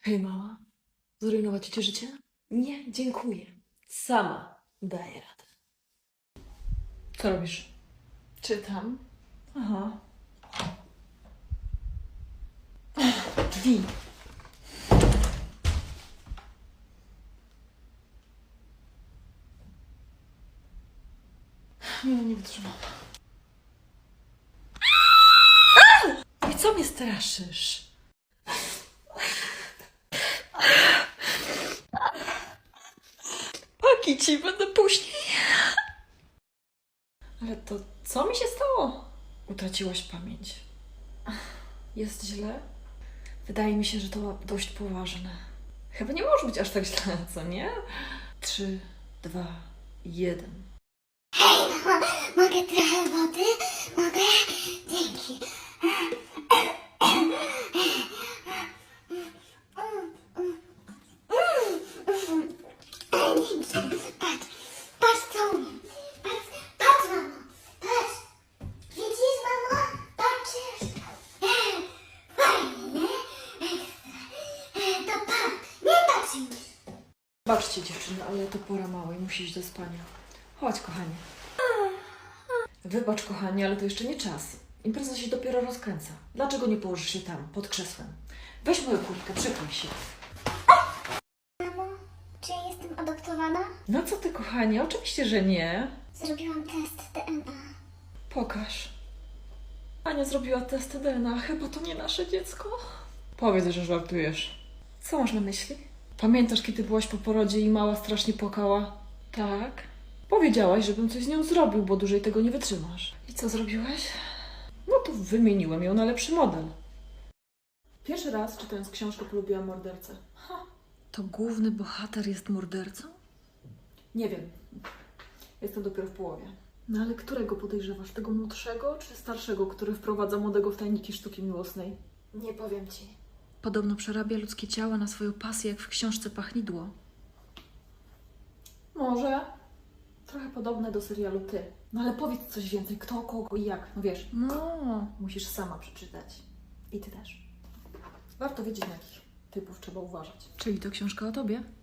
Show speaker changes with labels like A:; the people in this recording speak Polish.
A: Hej mała, zrujnować ci życie? Nie, dziękuję. Sama daję radę. Co robisz?
B: Czytam.
A: Aha. Drzwi.
B: Nie wytrzymam.
A: I co mnie straszysz? Paki ci będę później.
B: Ale to co mi się stało? Utraciłaś pamięć. Jest źle? Wydaje mi się, że to dość poważne. Chyba nie może być aż tak źle, co nie? 3, 2, 1.
C: Mogę trochę wody? Mogę? Dzięki. Patrz, patrz co umiem. Patrz, mamo, patrz. Widzisz, mamo? Patrzysz? Fajnie, ekstra. To patrz, nie patrz już.
B: Baczcie dziewczyny, ale to pora małej, musi iść do spania. Chodź, kochanie. Wybacz, kochanie, ale to jeszcze nie czas. Impreza się dopiero rozkręca. Dlaczego nie położysz się tam, pod krzesłem? Weź moją kurtkę, przykryj się.
C: Mamo, czy ja jestem adoptowana?
B: No co ty, kochanie? Oczywiście, że nie.
C: Zrobiłam test DNA.
B: Pokaż. Ania zrobiła test DNA. Chyba to nie nasze dziecko. Powiedz, że żartujesz. Co masz na myśli? Pamiętasz, kiedy byłaś po porodzie i mała strasznie płakała? Tak. Powiedziałaś, żebym coś z nią zrobił, bo dłużej tego nie wytrzymasz. I co zrobiłeś? No to wymieniłem ją na lepszy model. Pierwszy raz, czytając książkę, polubiłam mordercę.
A: To główny bohater jest mordercą?
B: Nie wiem. Jestem dopiero w połowie. No ale którego podejrzewasz? Tego młodszego czy starszego, który wprowadza młodego w tajniki sztuki miłosnej?
A: Nie powiem ci. Podobno przerabia ludzkie ciała na swoją pasję, jak w książce Pachnidło.
B: Może. Trochę podobne do serialu Ty. No ale powiedz coś więcej. Kto, kogo i jak. No wiesz,
A: No,
B: musisz sama przeczytać. I Ty też. Warto wiedzieć, na jakich typów trzeba uważać.
A: czyli to książka o tobie?